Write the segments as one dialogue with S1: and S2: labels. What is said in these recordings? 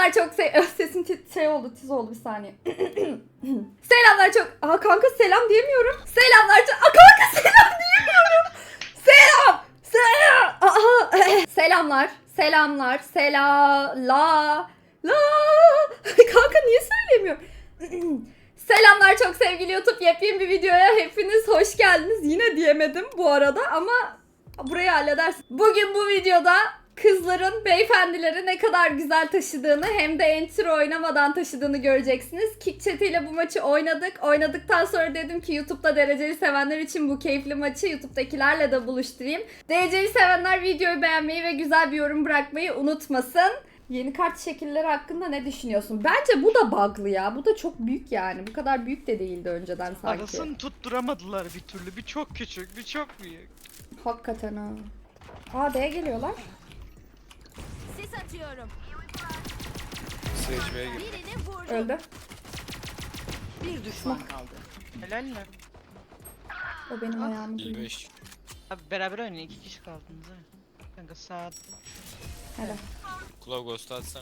S1: Selamlar çok sesim şey oldu, tiz oldu bir saniye. Selamlar çok... Aha kanka selam diyemiyorum. Selamlar çok... Aa kanka selam diyemiyorum. Selam. Selam. Aha. Selamlar. Selamlar. La. Kanka niye söylemiyorum? Selamlar çok sevgili YouTube. Yepyeni bir videoya hepiniz hoş geldiniz. Yine diyemedim bu arada ama burayı halledersin. Bugün bu videoda kızların beyefendileri ne kadar güzel taşıdığını hem de entry oynamadan taşıdığını göreceksiniz. Kick Chat ile bu maçı oynadık. Oynadıktan sonra dedim ki YouTube'da dereceli sevenler için bu keyifli maçı YouTube'dakilerle de buluşturayım. Dereceli sevenler videoyu beğenmeyi ve güzel bir yorum bırakmayı unutmasın. Yeni kart şekilleri hakkında ne düşünüyorsun? Bence bu da bug'lı ya. Bu da çok büyük yani. Bu kadar büyük de değildi önceden sanki.
S2: Arasını tutturamadılar bir türlü. Bir çok küçük, bir çok büyük.
S1: Hakikaten ha. Aa D'ye geliyorlar.
S3: Sis atıyorum.
S4: Seyircimeye gir.
S3: Birini vurdum.
S1: Öldü.
S5: Bir düşman kaldı.
S2: Helal mi?
S1: O benim ayağımı duyuyor.
S4: 55.
S2: Abi beraber oynayın, 2 kişi kaldınız ha. Kanka saat
S1: Helal.
S4: Kulağı ghost'u atsana.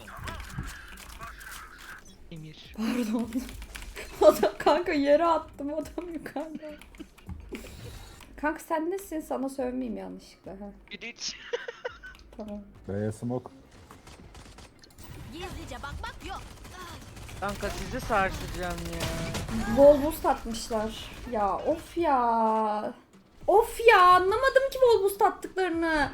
S2: Emir.
S1: Pardon. Adam kanka yere attım, adam yukarıda. Kanka sen nesin? Sana sövmeyeyim yanlışlıkla. Ha,
S2: Bir hiç.
S1: tamam.
S6: B'ye smoke.
S3: Gizlice bakmak yok.
S2: Kanka sizi sarsacağım ya.
S1: Bol boost atmışlar. Ya of ya. Of ya, anlamadım ki bol boost attıklarını.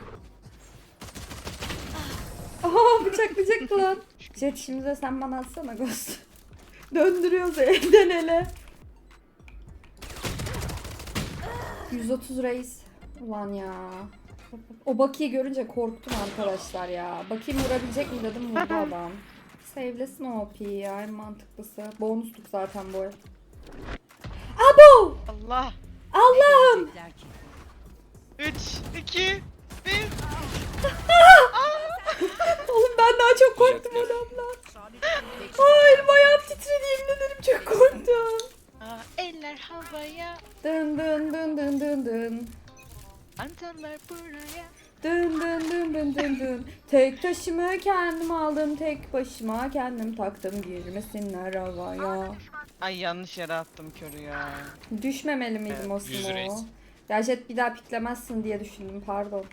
S1: Aha bıçaklayacak lan. Jet şimdi de sen bana atsana ghost. Döndürüyoruz elden ele. 130 reis. Ulan ya. O Baki'yi görünce korktum arkadaşlar ya. Baki'yi vurabilecek mi dedim, vurdu adam. Save'lesin o OP'yi ya, en mantıklısı. Bonusluk zaten bu. Abo!
S2: Allah.
S1: Allah'ım!
S2: 3, 2, 1.
S1: Oğlum ben daha çok korktum adamdan. Hayır, bayağı titredi, yemin ederim çok korktum.
S2: Eller havaya.
S1: Dın dın dın dın dın dın.
S2: Antenler buraya.
S1: Dın dın dın dın dın dın. Tek taşımı kendim aldım, tek başıma kendim taktım, girmesinler havaya.
S2: Ay yanlış yere attım körü ya.
S1: Düşmemeli miydim o
S4: 100
S1: smoke'u?
S4: reis.
S1: Ya Jet bir daha piklemezsin diye düşündüm, pardon.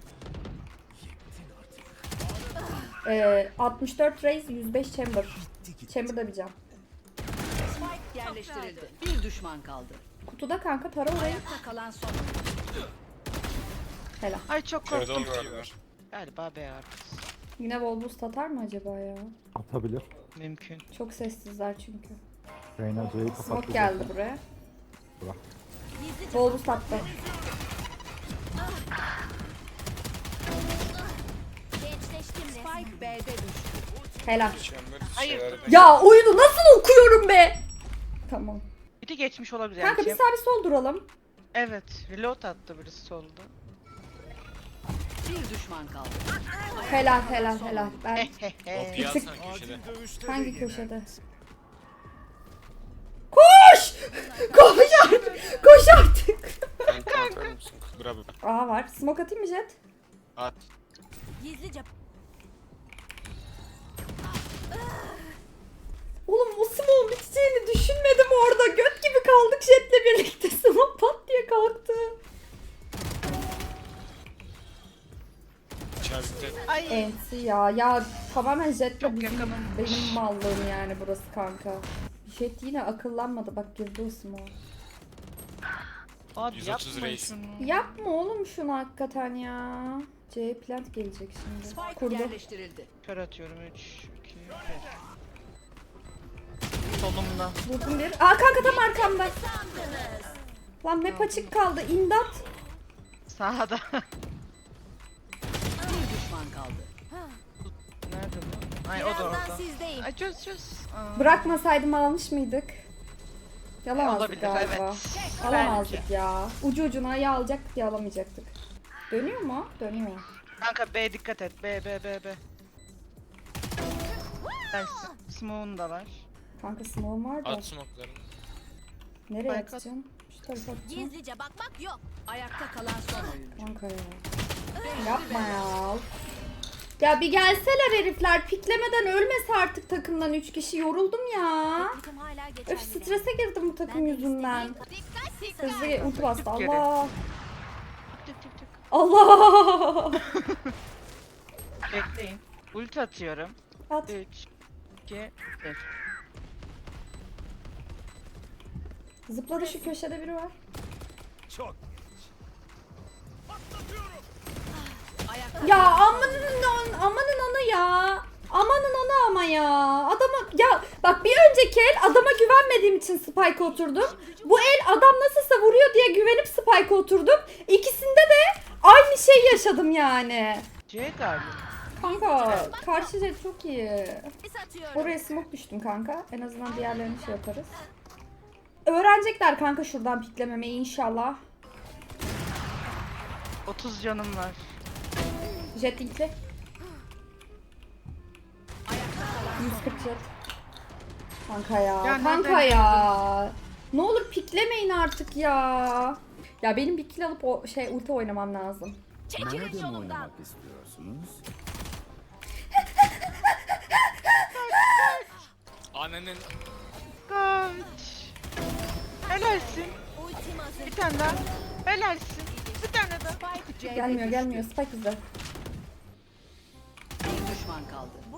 S1: 64 raise, 105 chamber. Chamber'da bir can.
S5: Spike yerleştirildi. Bir düşman kaldı.
S1: Kutuda kanka, tara orayı.
S5: Ayakta kalan son.
S1: Helal.
S2: Ay çok
S4: Kırdım
S2: korktum.
S4: var.
S2: Galiba B artık.
S1: Yine bol boost atar mı acaba ya?
S6: Atabilir.
S2: Mümkün.
S1: Çok sessizler çünkü.
S6: Reyna C'yi kapattı.
S1: Smoke geldi buraya.
S6: Bırak.
S3: Gizlice
S1: Bol boost attı.
S3: gençleştim resmen.
S5: Spike B'de düştü.
S1: Helal.
S4: Chamber
S2: Hayır.
S4: şeyler de-
S1: Ya oyunu nasıl okuyorum be? Tamam.
S2: Bir de geçmiş olabilir.
S1: Kanka
S2: yani.
S1: bir sağ bir sol duralım.
S2: Evet. Reload attı birisi solda.
S5: Bir düşman kaldı.
S1: Helal helal helal. Ben
S4: O
S1: Bir tık-
S4: piyasana köşede.
S1: hangi köşede? Koş! Koş artık! Koş artık!
S4: Sen kontrol musun? Bravo.
S1: Aa var. Smoke atayım mı Jet?
S4: At.
S3: Gizlice
S1: Oğlum o smoke'un biteceğini düşünmedim orada. Göt gibi kaldık Jet'le birlikte. Smoke pat diye kalktı.
S4: Çavikte.
S2: Ay.
S1: Ensi ya. Ya tamamen Jet'le
S2: Çok
S1: bizim,
S2: yakınım.
S1: benim mallığım yani burası kanka. Jet yine akıllanmadı. Bak girdi o smoke.
S2: Abi
S4: 130
S2: yapma
S4: reis.
S2: şunu.
S1: Yapma oğlum şunu hakikaten ya. C plant gelecek şimdi.
S5: Spike
S1: Kurdu.
S5: yerleştirildi.
S2: Kör atıyorum 3, 2, 1. Solumda.
S1: Vurdum bir. Aa kanka tam arkamda. Lan map açık kaldı. İmdat.
S2: Sağda.
S5: Bir düşman kaldı.
S2: Nerede bu? Ay o da
S3: birazdan
S2: orada.
S3: sizdeyim.
S2: Ay çöz. Aa.
S1: Bırakmasaydım almış mıydık? Yalamazdık
S2: Olabilir,
S1: galiba.
S2: evet.
S1: Alamazdık ya. Ucu ucuna ya alacaktık ya alamayacaktık. Dönüyor mu? Dönüyor.
S2: Kanka B dikkat et. B. Ben smoke'un da var.
S1: Kanka smoke'um var da.
S4: At smoke'larını.
S1: Nereye
S2: Spike at.
S1: atacağım? Şu tarafa atacağım.
S3: Gizlice bakmak yok.
S5: Ayakta kalan son oyuncu.
S1: Kanka ya. Yapma ya. Ya bir gelseler herifler. Piklemeden ölmese artık takımdan 3 kişi. Yoruldum ya.
S3: Teknikim hala geçerli.
S1: Öf, strese girdim bu takım yüzünden.
S3: Dikkat
S1: Hızlı ulti bastı.
S2: Tık geri.
S1: Allah.
S2: Tık tık tık.
S1: Allah.
S2: Bekleyin. Ulti atıyorum.
S1: At.
S2: 3, 2, 1.
S1: Zıpladı, şu köşede biri var. Ya amanın ana ya. Amanın ana ama ya. Adama ya bak, bir önceki el adama güvenmediğim için spike oturdum. Bu el adam nasılsa vuruyor diye güvenip spike oturdum. İkisinde de aynı şeyi yaşadım yani.
S2: C galiba.
S1: Kanka karşı jet çok iyi.
S3: Sis atıyorum.
S1: Oraya smoke düştüm kanka. En azından diğerlerini şey yaparız. Öğrenecekler kanka şuradan piklememeyi inşallah.
S2: 30 canım var.
S1: Jet linkli. 140 jet. Kanka ya.
S2: Ya
S1: Kanka
S2: nereden
S1: ya. Ne olur piklemeyin artık ya. Ya benim bir kill alıp o ulti oynamam lazım.
S3: Çekilin yolumdan.
S6: istiyorsunuz?
S4: Annenin
S2: Kaç. Helalsin.
S3: Ultim hazır.
S2: Bir tane daha. Helalsin. Bir tane daha.
S5: Spike C'de
S1: Gelmiyor
S5: düştü.
S1: gelmiyor. Spike bizde.
S5: Bir düşman kaldı.
S3: Bu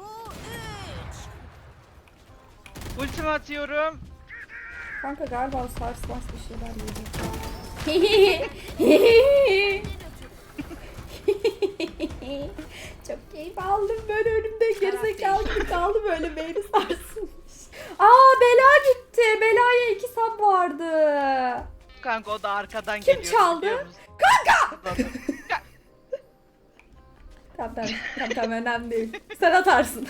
S3: 3.
S2: Ultimi atıyorum.
S1: Kanka galiba o sars bas bir şeyler yedi. Çok keyif aldım, böyle önümde gerizekalı gibi kaldı, böyle beyni sarsılmış. Aa, Bela gitti. Bela'ya 2 sub vardı.
S2: Kanka o da arkadan
S1: Kim
S2: geliyor.
S1: çaldı?
S2: biliyor musun?
S1: Tamam önemli değil. Sen atarsın.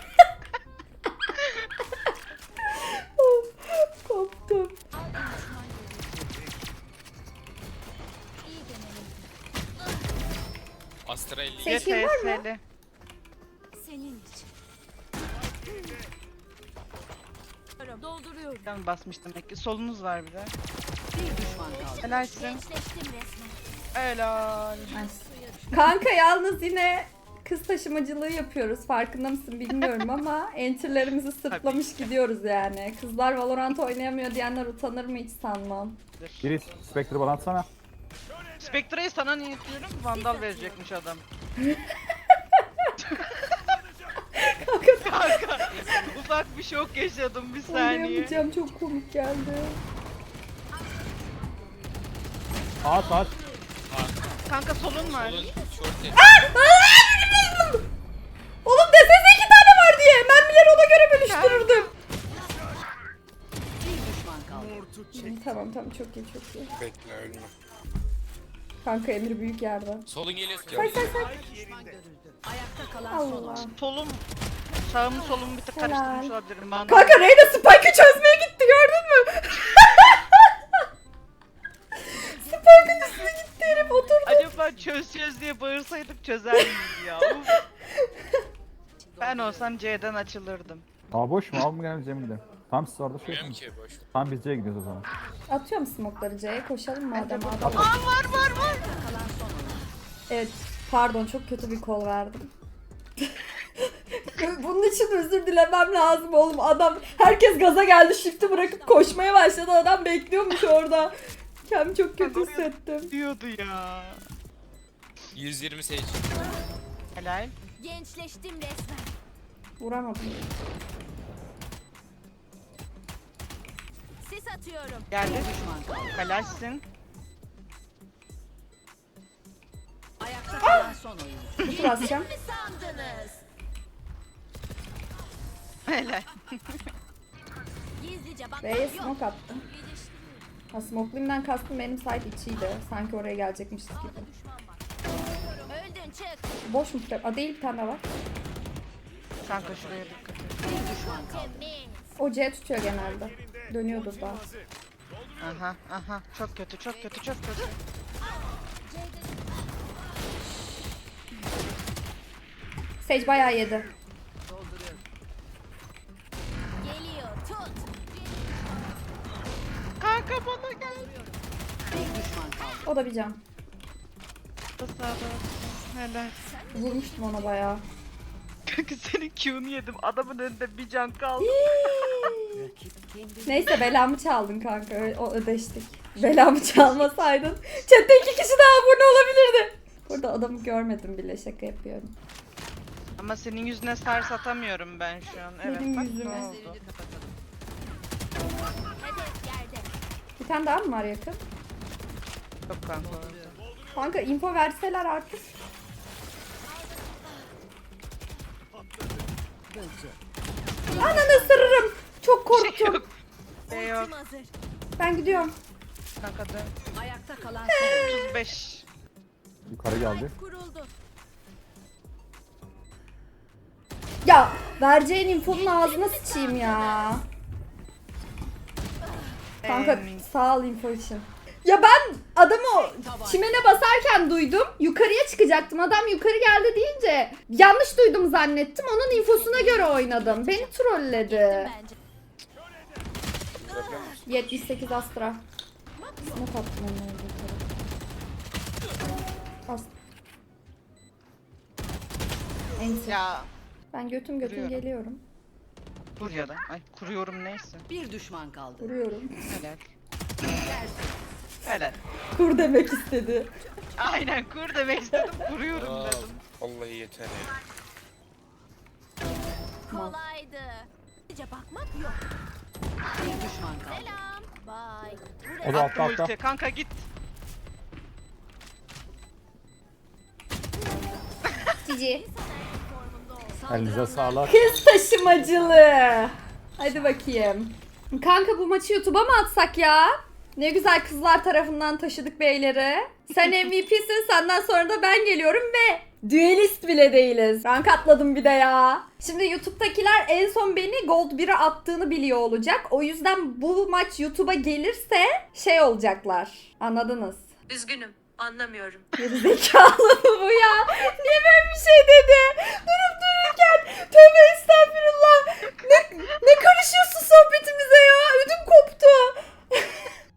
S1: Of, koptum.
S3: İyi denelim.
S4: Astra 50.
S1: Seçkin var mı?
S2: YTS'li.
S3: Senin için. Dolduruyorum.
S2: Ben basmıştım demek ki. Solunuz var bir de.
S5: Bir düşman kaldı.
S2: Helalsin.
S3: Gençleştim resmen.
S2: Helal.
S1: Kanka yalnız yine kız taşımacılığı yapıyoruz. Farkında mısın bilmiyorum ama enterlerimizi sırtlamış gidiyoruz yani. Kızlar Valorant oynayamıyor diyenler utanır mı hiç sanmam.
S6: Giriş, Spectre balansana.
S2: Spectre'yi sana niyetliyorum. Vandal verecekmiş adam. Kanka ufak bir şok yaşadım bir saniye.
S1: Oynayamayacağım, çok komik geldi.
S6: At.
S2: Kanka solun var.
S4: Solun short et.
S1: Oğlum desene 2 tane var diye. Mermileri ona göre bölüştürürdüm.
S5: Bir düşman kaldı.
S1: Tamam çok iyi.
S4: Bekle ölme.
S1: Kanka Emir büyük yerde.
S4: Solun geliyor.
S1: Say.
S5: Düşman görüldü. Ayakta kalan son
S1: Allah.
S5: oyuncu.
S2: Solum. Sağımı solumu bir tık
S1: Helal.
S2: karıştırmış olabilirim. Vandal.
S1: Kanka Reyna Spike'ı çözmeye gitti, gördün mü? Spike'ın üstüne gitti herif, oturdu.
S2: Acaba çöz diye bağırsaydık çözer miyiz ya? Uf. Ben olsam C'den açılırdım.
S6: Aa boş mu? Al mı gelmeyeceğim mi de? Tam siz orada şey
S4: Bilmiyorum
S6: yapın.
S4: ki boş.
S6: Tam biz C'ye gidiyoruz o zaman.
S1: Atıyorum smoke'ları C'ye, koşalım madem adam.
S2: Aa var.
S1: Evet, pardon çok kötü bir kol verdim. Bunun için özür dilemem lazım oğlum. Adam, herkes gaza geldi, shift'i bırakıp koşmaya başladı. Adam bekliyormuş orada. Kendimi çok kötü hissettim.
S2: Diyordu ya.
S4: 120 sage.
S2: Helal.
S3: Gençleştim resmen.
S1: Vuramadım.
S3: Sis atıyorum.
S2: Geldi.
S5: Düşman kaldı.
S2: Helalsin.
S5: Ayakta kalan son oyuncu.
S1: Kutu basacağım.
S3: Ne sandınız?
S2: Helal.
S3: Gizlice bak.
S1: B'ye
S3: Yok.
S1: smoke attım. Ha, smokeliyimden kastım benim side içiydi. Sanki oraya gelecekmişiz gibi.
S3: Düşman var. Öldün çık.
S1: Boş mu trap? Aa, değil, bir tane daha var.
S2: Kanka şuraya dikkat et.
S5: Bir düşman kaldı.
S3: Temiz.
S1: O C tutuyor genelde. Dönüyordur daha.
S2: Aha. Çok kötü.
S1: Sage bayağı yedi.
S5: Dolduruyorum.
S3: Geliyor. Tut.
S2: Kanka bana gel.
S5: Bir düşman kaldı.
S1: O da bir can.
S2: Sağda. Helal.
S3: Sen
S1: Vurmuştum ona bayağı.
S2: Kanka senin Q'nu yedim. Adamın önünde bir can kaldı.
S1: Neyse belamı çaldın kanka. O ödeştik. Belamı çalmasaydın. Chat'te 2 kişi daha abone olabilirdi. Burada adamı görmedim bile, şaka yapıyorum.
S2: Ama senin yüzüne stars atamıyorum ben şu an. Evet
S1: Benim
S2: bak
S1: yüzüme.
S2: ne oldu.
S3: Hedef yerde.
S1: Bir tane daha mı var yakın?
S2: Yok kanka.
S1: Kanka info verseler artık. Ananı ısırırım. Çok korktum.
S2: Şey yok
S3: Ultim hazır.
S1: Ben gidiyorum.
S2: kanka dön.
S5: Ayakta kalan son oyuncu.
S2: 35.
S6: Yukarı geldi.
S3: Kuruldu.
S1: Ya vereceğin infonun ağzına sıçayım ya. Kanka sağ ol info için. Ya ben adamı o çimene basarken duydum. Yukarıya çıkacaktım. Adam yukarı geldi deyince yanlış duydum zannettim. Onun infosuna göre oynadım. Beni trolledi.
S3: Bence.
S1: 78 Astra. Smoke attım onlara yukarı. Enter.
S2: Ya
S1: Ben götüm
S2: Vuruyorum.
S1: geliyorum.
S2: dur ya da. Ay kuruyorum neyse.
S5: Bir düşman kaldı.
S1: Vuruyorum.
S2: Helal. Helal.
S1: Kur demek istedi.
S2: Aynen kur demek istedim. Kuruyorum
S4: Aa,
S2: dedim.
S4: vallahi yeter ya.
S3: Kolaydı. Sadece bakmak yok.
S5: Bir düşman kaldı.
S3: Selam. Bye.
S6: O da
S2: Attım
S6: altta.
S2: ulti. Kanka git.
S1: Cici.
S6: Elinize sağlık.
S1: Kız taşımacılığı. Hadi bakayım. Kanka bu maçı YouTube'a mı atsak ya? Ne güzel kızlar tarafından taşıdık beyleri. Sen MVP'sin, senden sonra da ben geliyorum ve düelist bile değiliz. Rank atladım bir de ya. Şimdi YouTube'dakiler en son beni Gold 1'e attığını biliyor olacak. O yüzden bu maç YouTube'a gelirse şey olacaklar. Anladınız?
S7: Üzgünüm, anlamıyorum.
S1: Gerizekalı mı bu ya? Niye böyle bir şey dedi? Durun